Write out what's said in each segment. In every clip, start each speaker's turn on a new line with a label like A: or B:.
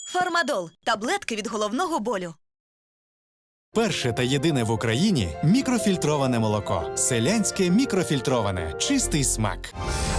A: Фармадол – таблетки від головного болю.
B: Перше та єдине в Україні мікрофільтроване молоко. Селянське мікрофільтроване. Чистий смак.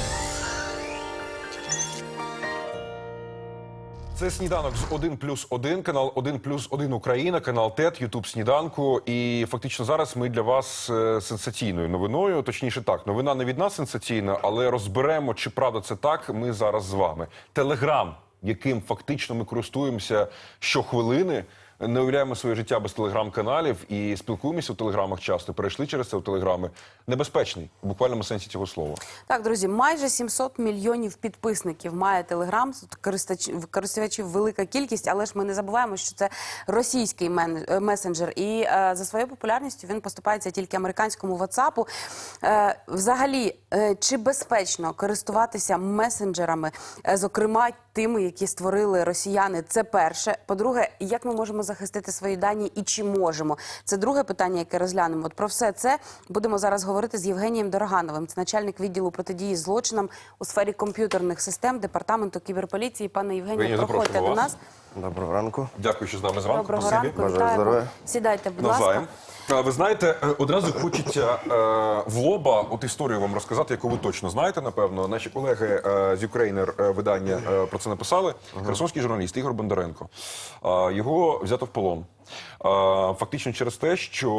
C: Це сніданок з 1+1, канал 1+1 Україна, канал ТЕТ, Ютуб сніданку. І фактично зараз ми для вас сенсаційною новиною, точніше так, новина не від нас сенсаційна, але розберемо, чи правда це так, ми зараз з вами. Телеграм, яким фактично ми користуємося щохвилини, не уявляємо своє життя без телеграм-каналів і спілкуємося в телеграмах часто, перейшли через це в телеграми. Небезпечний, в буквальному сенсі цього слова.
D: Так, друзі, майже 700 мільйонів підписників має Телеграм, користувачів велика кількість, але ж ми не забуваємо, що це російський месенджер, і за своєю популярністю він поступається тільки американському WhatsApp. Взагалі, чи безпечно користуватися месенджерами, зокрема тими, які створили росіяни, це перше. По-друге, як ми можемо захистити свої дані і чи можемо? Це друге питання, яке розглянемо. От про все це будемо зараз говорити з Євгенієм Дорогановим. Це начальник відділу протидії злочинам у сфері комп'ютерних систем Департаменту кіберполіції. Пане Євгенію, проходьте до нас.
E: Доброго ранку.
C: Дякую, що з нами зранку.
D: Доброго ранку.
E: Бажаю здоров'я.
D: Сідайте, будь
C: Навзаєм.
D: ласка.
C: Ви знаєте, одразу хочеться в лоба от історію вам розказати, яку ви точно знаєте, напевно. Наші колеги з Ukrainer видання про це написали. Херсонський журналіст Ігор Бондаренко. Його взято в полон. Фактично через те,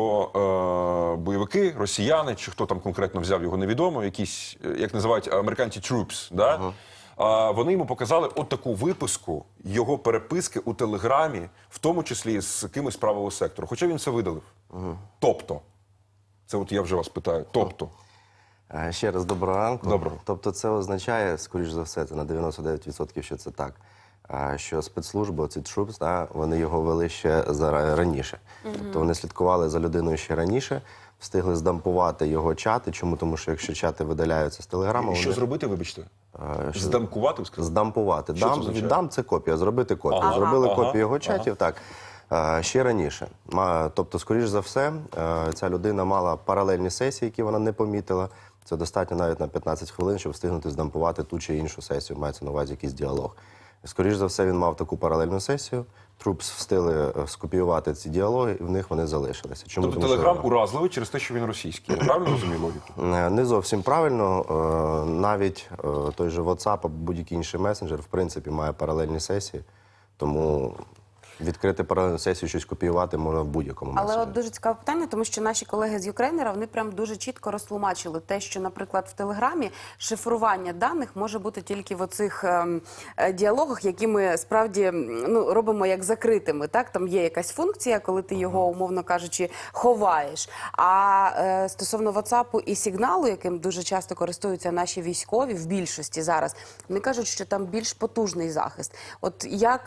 C: що бойовики, росіяни, чи хто там конкретно взяв його, невідомо, якісь, як називають американці, troops, да? Вони йому показали от таку виписку його переписки у Телеграмі, в тому числі з кимось з правого сектору. Хоча він це видалив. Тобто, це от я вже вас питаю, тобто.
E: Ще раз доброго ранку.
C: Доброго.
E: Тобто це означає, скоріш за все, це на 99%, що це так, що спецслужби, ці troops, да, вони його вели ще раніше. Тобто вони слідкували за людиною ще раніше, встигли здампувати його чати. Чому? Тому що якщо чати видаляються з Телеграму...
C: І що зробити, вибачте? Здамкувати, ви сказали?
E: Здампувати.
C: Що це означає?
E: Дам – це копія, зробити копію. Зробили копію його чатів, так. Ще раніше. Тобто, скоріш за все, ця людина мала паралельні сесії, які вона не помітила. Це достатньо навіть на 15 хвилин, щоб встигнути здампувати ту чи іншу сесію. Мається на увазі якийсь діалог. Скоріш за все, він мав таку паралельну сесію. Трупс встигли скопіювати ці діалоги, і в них вони залишилися. Чому?
C: Тобто
E: Тому,
C: Телеграм
E: що...
C: уразливий через те, що він російський. Я правильно розумію логіку?
E: Не зовсім правильно. Навіть той же WhatsApp або будь-який інший месенджер, в принципі, має паралельні сесії. Тому відкрити паралельну сесію, щось копіювати можна в будь-якому месенджері.
D: Але от дуже цікаве питання, тому що наші колеги з Ukrainer, вони прям дуже чітко розтлумачили те, що, наприклад, в Телеграмі шифрування даних може бути тільки в оцих діалогах, які ми справді робимо як закритими. Так? Там є якась функція, коли ти його, умовно кажучи, ховаєш. А стосовно WhatsApp і сигналу, яким дуже часто користуються наші військові, в більшості зараз, вони кажуть, що там більш потужний захист. От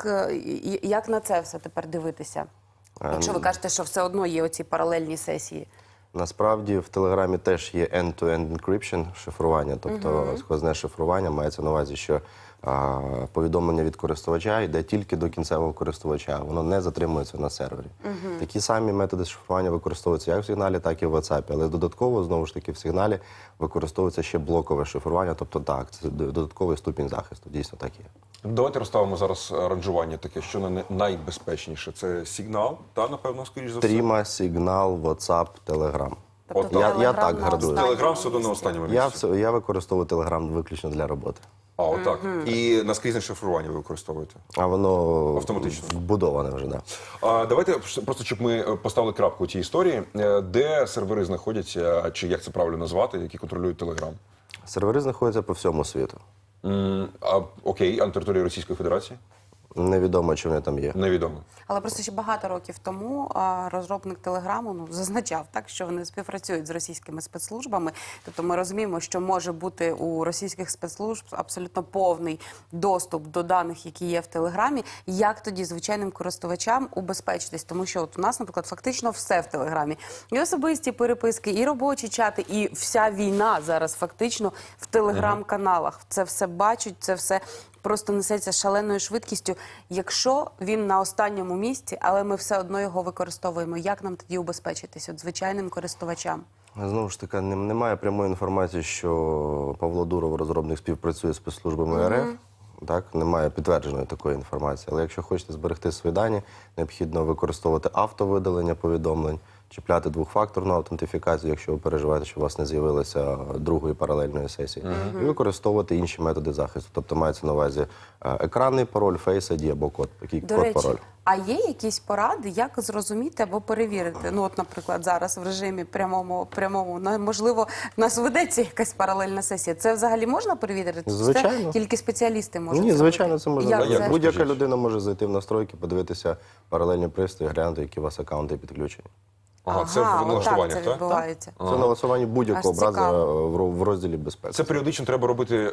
D: як на це все тепер дивитися? Якщо ви кажете, що все одно є оці паралельні сесії.
E: Насправді в Телеграмі теж є end-to-end encryption, шифрування, тобто сквозне шифрування. Мається на увазі, що повідомлення від користувача йде тільки до кінцевого користувача, воно не затримується на сервері. Такі самі методи шифрування використовуються як в сигналі, так і в WhatsApp, але додатково, знову ж таки, в сигналі використовується ще блокове шифрування, тобто так, це додатковий ступінь захисту, дійсно так є.
C: Давайте розставимо зараз ранжування таке, що найбезпечніше. Це сигнал, та, напевно, скоріш за все?
E: Тріма, сигнал, WhatsApp, Telegram.
D: Тобто
E: Я так градую.
C: Телеграм все одно на останньому місці.
E: Я використовую Telegram виключно для роботи.
C: Отак. І наскрізне шифрування ви використовуєте?
E: А воно
C: Автоматично.
E: вбудоване вже, так.
C: Давайте, просто щоб ми поставили крапку у цій історії. Де сервери знаходяться, чи як це правильно назвати, які контролюють Телеграм?
E: Сервери знаходяться по всьому світу.
C: Окей, а на території Російської Федерації?
E: Невідомо, чи вони там є.
C: Невідомо.
D: Але просто ще багато років тому розробник Телеграму зазначав, так, що вони співпрацюють з російськими спецслужбами. Тобто ми розуміємо, що може бути у російських спецслужб абсолютно повний доступ до даних, які є в Телеграмі. Як тоді звичайним користувачам убезпечитись? Тому що от у нас, наприклад, фактично все в Телеграмі. І особисті переписки, і робочі чати, і вся війна зараз фактично в Телеграм-каналах. Це все бачать, це все просто несеться шаленою швидкістю. Якщо він на останньому місці, але ми все одно його використовуємо, як нам тоді убезпечитись от звичайним користувачам?
E: Знову ж таки, немає прямої інформації, що Павло Дуров, розробник, співпрацює з спецслужбами РФ. Так, немає підтвердженої такої інформації. Але якщо хочете зберегти свої дані, необхідно використовувати автовидалення повідомлень, чіпляти двохфакторну аутентифікацію, якщо ви переживаєте, що у вас не з'явилося другої паралельної сесії, і використовувати інші методи захисту. Тобто мається на увазі екранний пароль, Face ID або код, який
D: До
E: код-пароль.
D: речі, а є якісь поради, як зрозуміти або перевірити? Ну, от, наприклад, зараз в режимі прямому, можливо, в нас ведеться якась паралельна сесія. Це взагалі можна перевірити? Чи
E: Звичайно.
D: це тільки спеціалісти можуть
E: Ні,
D: зробити?
E: звичайно, це можна
D: Як
E: зробити.
C: це?
E: Будь-яка
C: Скажіть.
E: людина може зайти в настройки, подивитися паралельні пристрої, глянути, які у вас аккаунти підключені.
C: Ага, це в
D: отак
C: налаштуваннях,
D: це
C: так?
D: відбувається.
E: Це налаштування будь-якого
D: Аж цікаво.
E: образу в розділі безпеки.
C: Це періодично треба робити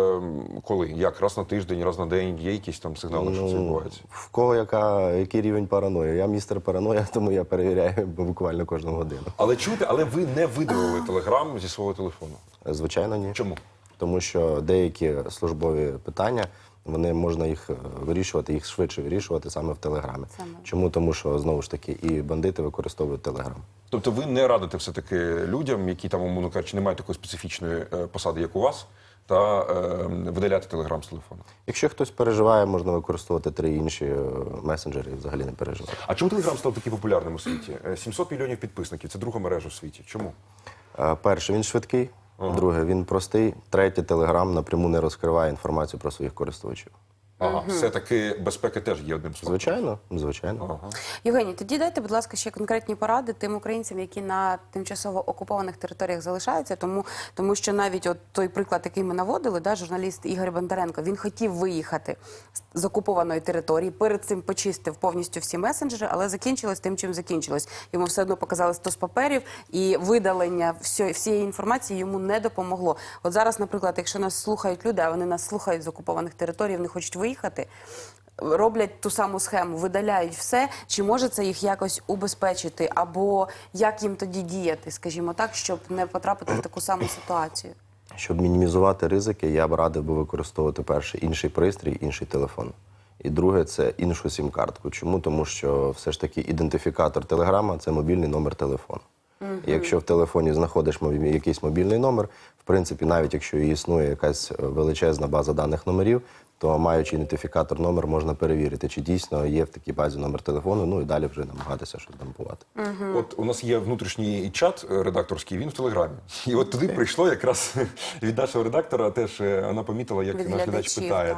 C: коли? Як? Раз на тиждень, раз на день? Є якісь там сигнали, що це відбувається?
E: В кого який рівень параної? Я містер параноя, тому я перевіряю буквально кожну годину.
C: Але чуєте, але ви не видалили Телеграм зі свого телефону.
E: Звичайно, ні.
C: Чому?
E: Тому що деякі службові питання, можна їх вирішувати, їх швидше вирішувати саме в Телеграмі. Чому? Тому що, знову ж таки, і бандити використовують Телеграм.
C: Тобто ви не радите все-таки людям, які там, умовно кажучи, не мають такої специфічної посади, як у вас, та видаляти Телеграм з телефону?
E: Якщо хтось переживає, можна використовувати 3 інші месенджери і взагалі не переживати.
C: А чому Телеграм став такий популярним у світі? 700 мільйонів підписників – це друга мережа у світі. Чому?
E: Перше, він швидкий. Друге, він простий. Третє, Телеграм напряму не розкриває інформацію про своїх користувачів.
C: Ага, все-таки безпека теж є одним з факторів.
E: Звичайно, звичайно.
D: Євгеній, тоді дайте, будь ласка, ще конкретні поради тим українцям, які на тимчасово окупованих територіях залишаються, тому що навіть от той приклад, який ми наводили, да, журналіст Ігор Бондаренко, він хотів виїхати з окупованої території, перед цим почистив повністю всі месенджери, але закінчилось тим, чим закінчилось. Йому все одно показали 100 паперів, і видалення всієї інформації йому не допомогло. От зараз, наприклад, якщо нас слухають люди, а вони нас слухають з окупованих територій, вони хочуть виїхати, роблять ту саму схему, видаляють все, чи може це їх якось убезпечити, або як їм тоді діяти, скажімо так, щоб не потрапити в таку саму ситуацію?
E: Щоб мінімізувати ризики, я б радив би використовувати перше інший пристрій, інший телефон. І друге – це іншу сім-картку. Чому? Тому що все ж таки ідентифікатор Телеграма – це мобільний номер телефону. І якщо в телефоні знаходиш якийсь мобільний номер, в принципі, навіть якщо і існує якась величезна база даних номерів, то маючи ідентифікатор номер, можна перевірити, чи дійсно є в такій базі номер телефону, ну і далі вже намагатися щось дампувати.
C: От у нас є внутрішній чат редакторський, він в Телеграмі. І от туди прийшло якраз від нашого редактора, теж вона помітила, як
D: Від
C: наш глядач
D: глядачів,
C: питає.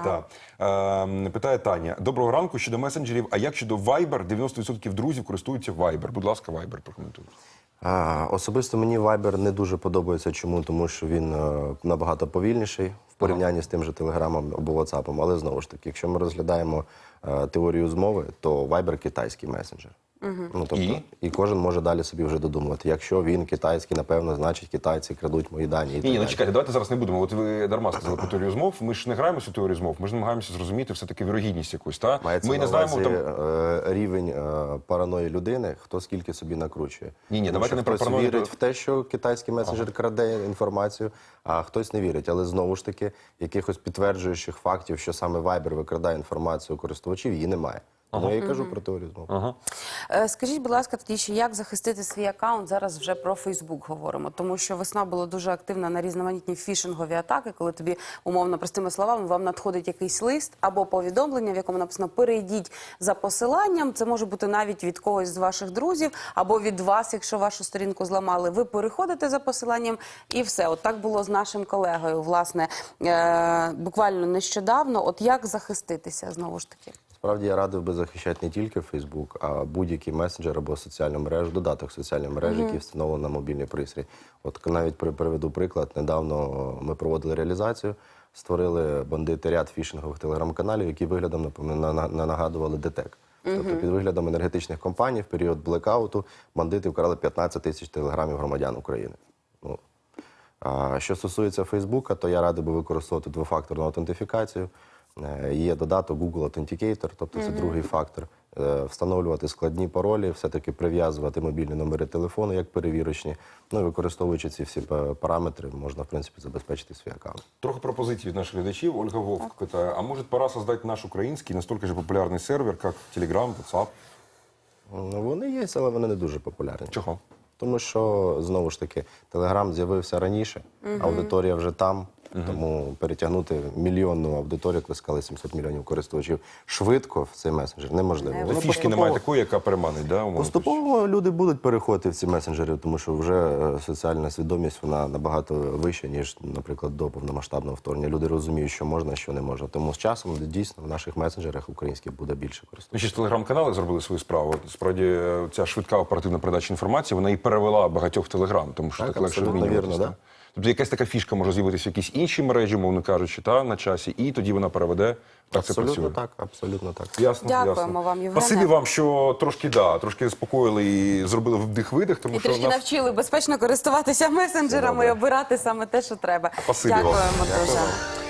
D: так.
C: Питає Таня. Доброго ранку, щодо месенджерів, а як щодо Viber? 90% друзів користуються Viber. Будь ласка, Viber прокоментуйте.
E: Особисто мені Viber не дуже подобається. Чому? Тому що він набагато повільніший в порівнянні з тим же Телеграмом або WhatsApp. Але знову ж таки, якщо ми розглядаємо теорію змови, то Viber – китайський месенджер. Ну, тобто, і кожен може далі собі вже додумувати. Якщо він китайський, напевно, значить китайці крадуть мої дані. І так
C: Ні, ну
E: далі.
C: чекайте, давайте зараз не будемо. От ви дарма сказали про теорію змов. Ми ж не граємося в теорію змов, ми ж намагаємося зрозуміти все-таки вірогідність якусь. Та?
E: Мається
C: Ми
E: на
C: не знаємо
E: увазі
C: там.
E: рівень параної людини, хто скільки собі накручує.
C: Ні,
E: Тому
C: давайте
E: що
C: не про
E: хтось
C: параною.
E: вірить в те, що китайський месенджер краде інформацію, а хтось не вірить. Але знову ж таки, якихось підтверджуючих фактів, що саме Viber викрадає інформацію користувачів, її немає. Тому я і кажу про теорію змов.
D: Скажіть, будь ласка, тоді ще як захистити свій аккаунт? Зараз вже про Фейсбук говоримо, тому що весна була дуже активна на різноманітні фішингові атаки, коли тобі, умовно, простими словами, вам надходить якийсь лист або повідомлення, в якому написано «перейдіть за посиланням». Це може бути навіть від когось з ваших друзів або від вас, якщо вашу сторінку зламали. Ви переходите за посиланням і все. От так було з нашим колегою, власне, буквально нещодавно. От як захиститися, знову ж таки?
E: Справді, я радив би захищати не тільки Facebook, а будь-який месенджер або соціальну мережу, додаток соціальної мережі, який встановлений на мобільний пристрій. От навіть приведу приклад. Недавно ми проводили реалізацію, створили бандити ряд фішингових телеграм-каналів, які виглядом нагадували ДТЕК. Тобто під виглядом енергетичних компаній в період блекауту бандити вкрали 15 тисяч телеграмів громадян України. Ну, що стосується Фейсбука, то я радий би використовувати двофакторну аутентифікацію. Є додаток Google Authenticator, тобто це другий фактор. Встановлювати складні паролі, все-таки прив'язувати мобільні номери телефону як перевірочні. Ну і використовуючи ці всі параметри, можна, в принципі, забезпечити свій аккаунт.
C: Трохи пропозицій від наших глядачів. Ольга Вовк питає, а може пора создать наш український, настільки ж популярний сервер, як Telegram, WhatsApp?
E: Ну, вони є, але вони не дуже популярні.
C: Чого?
E: Тому що, знову ж таки, Телеграм з'явився раніше, аудиторія вже там, Тому перетягнути мільйонну аудиторію, як ви сказали, 700 мільйонів користувачів швидко в цей месенджер неможливо.
D: Не
E: Воно
C: Фішки немає такої, яка переманить, да, умовно кажучи?
E: Поступово люди будуть переходити в ці месенджери, тому що вже соціальна свідомість вона набагато вища, ніж, наприклад, до повномасштабного вторгнення. Люди розуміють, що можна, що не можна. Тому з часом дійсно в наших месенджерах українських буде більше
C: Ми
E: користувачів.
C: ще ж телеграм-канали зробили свою справу. Справді, ця швидка оперативна передача інформації, вона і перевела багатьох в телеграм, тому що
E: Так,
C: так легше
E: абсолютно
C: обмінюватися.
E: вірно,
C: так?
E: да.
C: Тобто якась така фішка може з'явитися в якійсь іншій мережі, мовно кажучи, на часі, і тоді вона переведе. Так це працює.
E: Абсолютно так, абсолютно так.
C: Ясно,
D: Дякуємо
C: ясно.
D: вам, Євгене.
C: Спасибі вам, що трошки заспокоїли і зробили вдих-видих, тому
D: І
C: що
D: трішки
C: нас...
D: навчили безпечно користуватися месенджерами і обирати саме те, що треба.
C: Спасибі вам.
D: Дякуємо дуже.
E: Дякую вам.